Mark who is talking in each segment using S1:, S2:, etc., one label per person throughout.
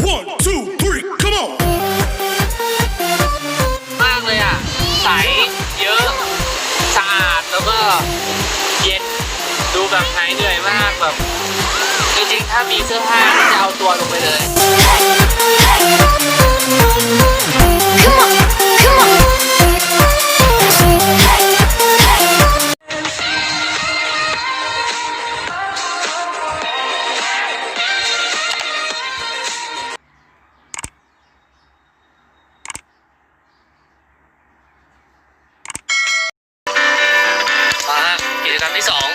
S1: 1, 2, 3, come on.
S2: มากเลยอ่ะใสเยอะสะอาดแล้วก็เย็นดูแบบหายเหนื่อยมากแบบจริงๆถ้ามีเสื้อผ้าจะเอาตัวลงไปเลย
S3: Come on, come on.
S2: มาฮะกิจกรรมที่ 2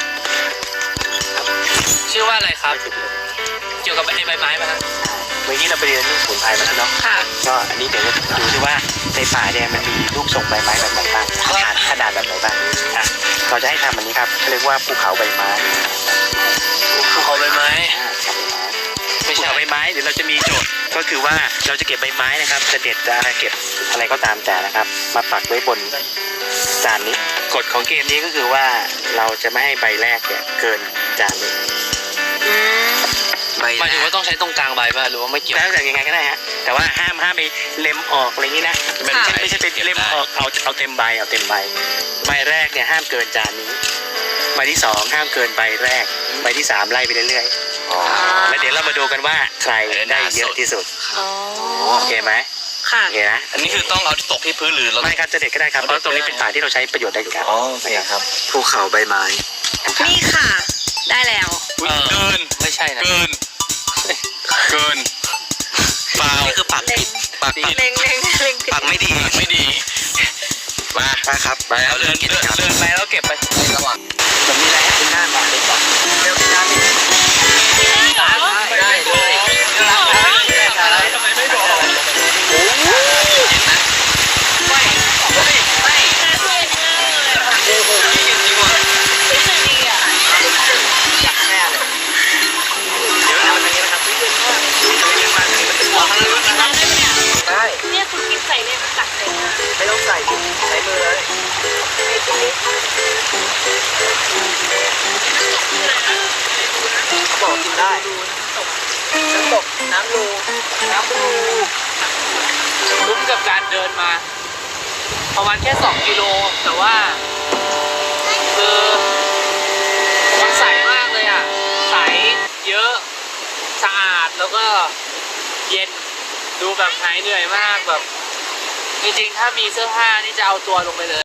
S2: ชื่อว่าอะไรครับ เกี่ยวกับใบไม้ไหมครับ
S4: เมื่อกี้เราไปเรียนเรื่องสมุนไพรมาแล้วเนาะ
S2: ค่ะ
S4: ก็อันนี้เดี๋ยวจะดูซิว่าในป่าเนี่ยมันมีรูปทรงใบไม้แบบไหนบ้างขนาดแบบไหนบ้างอ่ะเราจะให้ทำอันนี้ครับเขาเรียกว่าภูเขาใบไม้
S2: ภูเขาใบไม้
S4: ภูเขาใบไม้เดี๋ยวเราจะมีโจทย์ก็คือว่าเราจะเก็บใบไม้นะครับจะเด็ดจะเก็บอะไรก็ตามแต่นะครับ มาปักไว้บนจานนี้กฎของเกมนี้ก็คือว่าเราจะไม่ให้ใบแรกเนี่ยเกินจานนี้
S2: หมายถึงว่าต้องใช้ตรงกลางใบป่ะหรือว่าไม่เกี่ยว
S4: แล้วแต่ยังไงก็ได้ฮะแต่ว่าห้ามไปเล็มออกอะไรอย่างนี้นะไม่ใช่ไปเล็มออกเอาเต็มใบใบแรกเนี่ยห้ามเกินจานนี้ใบที่สองห้ามเกินใบแรกใบที่สามไล่ไปเรื่อยๆแล้วเดี๋ยวเรามาดูกันว่าใครได้เยอะที่สุดโอเคไหม
S3: ค่ะ
S4: โอเคนะ
S5: อันนี้คือต้องเอาตกที่พื้นหรือเรา
S4: ไม่ครับจะเด็ดก็ได้ครับเพราะตรงนี้เป็นป่าที่เราใช้ประโยชน์ได้อยู่แล้ว
S5: อ๋อโอเคครับ
S4: ภูเขาใบไม้
S3: นี่ค่ะ ได้แล้ว
S5: เกิน
S2: ไม่ใช่นะ
S5: เกินเปล่า
S4: นี่คือปักผิด
S5: ปากผิด
S3: เล็งผิด
S4: ปักไม่ดี
S5: ไม่ดีมา
S4: ครับ
S5: ไปเอาเดินกิจกรรม
S2: เดินไปแล้วเก็บไป
S5: ในระหว่าง
S4: แบบนี้แหละเป็นหน้ามาเป็นก่อนเร็วน้ำนี่
S2: ได้เลยอะไรทำไมไม่บอกอยากแช่เลย
S4: เดี๋ยวเราอย่างนี้นะครับเดินมาถึงมันจะมองข้างล่างนะครับได้
S3: เนี่ยคุณกินใส่เลยมันตักใส่มา
S4: ไม่ต้องใส่ดิใช้มือเลยเขาบอกกินได้น้ำตกน้ำรู
S2: คุ้มกับการเดินมาประมาณแค่2 กิโลแต่ว่าคือมันใสมากเลยอ่ะใสเยอะสะอาดแล้วก็เย็นดูแบบหายเหนื่อยมากแบบจริงๆถ้ามีเสื้อผ้านี่จะเอาตัวลงไปเลย